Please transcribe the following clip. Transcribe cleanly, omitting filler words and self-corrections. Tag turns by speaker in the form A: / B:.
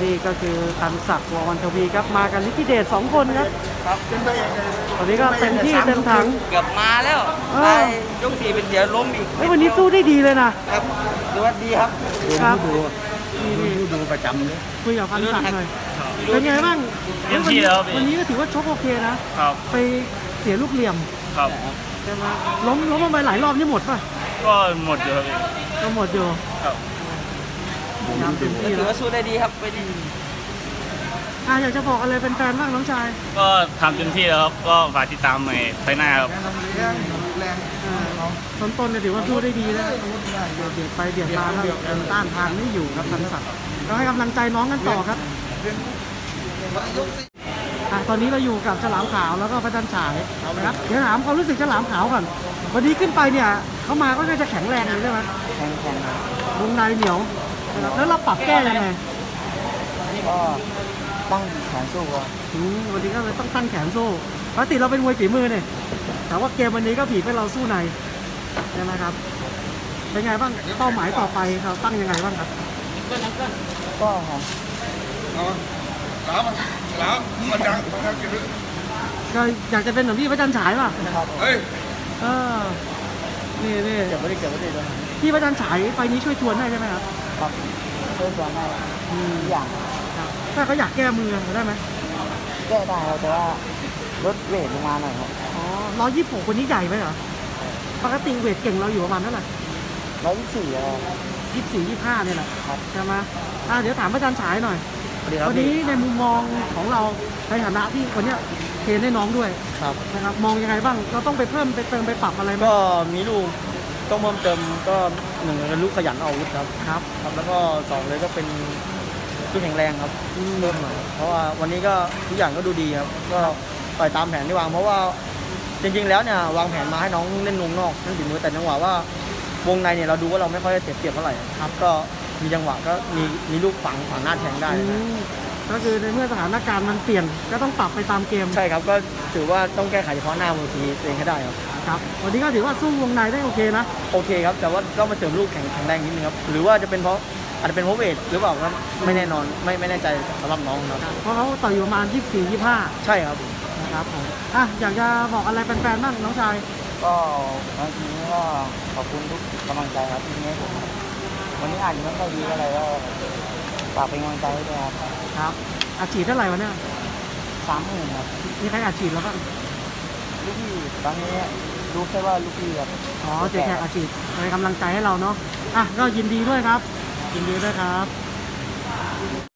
A: นี่ก็คือตันศักดิ์ววันทวีครับมากันลิขิตเดช2 คนครับ
B: ครับเป็นไปอย่างไร
A: ตอนนี้ก็เต็มที่เต็มถัง
C: เกือบมาแล้วไปยก 4เป็นเสียล้มอีก
A: วันนี้สู้ได้ดีเลยนะครับ
C: สวัสดีครับ
A: ครับ
B: ดูประจำเลย
A: คุยกับพันศักดิ์หน่อยเป็นไงบ้างวันนี้ก็ถือว่าชกโอเคนะครับไปเสียลูกเหลี่ยม
D: ครับ
A: ใช่ไหมล้มลงไปหลายรอบนี่หมดป่ะ
D: ก็หมดอยู่ครับ
A: ก็หมดอยู่
D: ครับ
A: ยามเต็มที่
C: ถือว่าสู้ได้ดีครับไปดี
A: อยากจะบอกอะไรเป็นแฟนบ้างน้องชาย
D: ก็ทำเต็มที่แล้วครับก็ฝากติดตามใหม่ไปหน้าครับ
A: ต้นเนี่ยถือว่าสู้ได้ดีแล้วเบียดไปเบียดมาแล้วต้านทานไม่อยู่ครับทันศักดิ์เราให้กำลังใจน้องกันต่อครับตอนนี้เราอยู่กับฉลามขาวแล้วก็พระจันทร์ฉายนะครับเดี๋ยวถามความรู้สึกฉลามขาวก่อนวันนี้ขึ้นไปเนี่ยเขามาก็น่าจะแข็งแรงเลยใช่ไหม
C: แข็ง
A: วงในเหนียวแล้วเราปรับแก้ยังไง
C: ก็ตั้งแขนสู้ครับ
A: วันนี้ก็เลยต้องตั้งแขนสู้ปกติเราเป็นมวยฝีมือเนี่ยแต่ว่าเกมวันนี้ก็ผีให้เราสู้ในใช่ไหมครับเป็นไงบ้างเป้าหมายต่อไปเราตั้งยังไงบ้างครับ
C: ก็ครับ
B: ล้ามมาจัง
A: ก็อยากจะเป็นแบบพี่พระจันทร์ฉายป่ะ
B: เฮ้ย
A: นี่
C: เก็บไว้ดิเลย
A: พี่พระจันทร์ฉายไฟนี้ช่วยทวนได้ใช่ไหมครับ
C: ครับช่วยทวนได้อย่าง
A: ถ้าเขาอยากแก้มือได้ไหม
C: แก้ได้ครับแต่ว่าลดเวทลงมาหน่อยครับ
A: 126คนนี้ใหญ่ไหมเหรอปกติเวทเก่งเราอยู่ประมาณเท่าไหร่24 25เนี่ยแหละใช่ไหมเดี๋ยวถามพระจันทร์ฉายหน่อยวันนี้ในมุมมองของเราในฐานะที่วันนี้เทรนให้น้องด้วยนะครับมองยังไงบ้างเราต้องไปเพิ่มไปเติมไปปรับอะไร
E: ก็มีลูกต้องเพิ่มเติมก็1เป็นลูกขยันอาวุธครับแล้วก็2เลยก็เป็นลูกแข็งแรงครับเริ่มหน่อยเพราะว่าวันนี้ก็ทุกอย่างก็ดูดีครับก็ต่อยตามแผนที่วางเพราะว่าจริงๆแล้วเนี่ยวางแผนมาให้น้องเล่นวงนอกนั่นฝีมือแต่จังหวะว่าวงในเนี่ยเราดูว่าเราไม่ค่อยเสียเปรียบเท่าไหร่ครับก็มีจังหวะก็มีลูกฝังหน้าแทงได้
A: ก็คือในเมื่อสถานการณ์มันเปลี่ยนก็ต้องปรับไปตามเกม
E: ใช่ครับก็ถือว่าต้องแก้ไขเฉพาะหน้าเวทีเองให้ได้
A: ครับวันนี้ก็ถือว่าสู้วงในได้โอเคนะ
E: โอเคครับแต่ว่าก็มาเสริมลูกแข็งแรงนิดนึงครับหรือว่าจะเป็นเพราะอาจจะเป็นเพราะเวทหรือเปล่าครับไม่แน่นอนไม่แน่ใจสำหรับน้องครับ
A: เพราะเขาต่อยอยู่ประมาณ24-25
E: ใช่ครับ
A: นะครับผมอยากจะบอกอะไรแฟนๆบ้างน้องชาย
C: ก็วันนี้ก็ขอบคุณทุกกำลังใจครับที่ให้ผมวันนี้อ่านไม่ค่อยดีอะไรก็ฝากเป็นกำลังใจให้ด้วย
A: ครับอาชีพเท่าไหร่วะเนี่ย
C: 30,000ครับ
A: มีใครอาชีพแล้วบ้าง
C: ลูกพี่ตอนนี้รู้แค่ว่าลูกพี่ครับ
A: เจ๊แขกอาชีพเป็นกำลังใจให้เราเนาะก็ยินดีด้วยครับยินดีด้วยครับ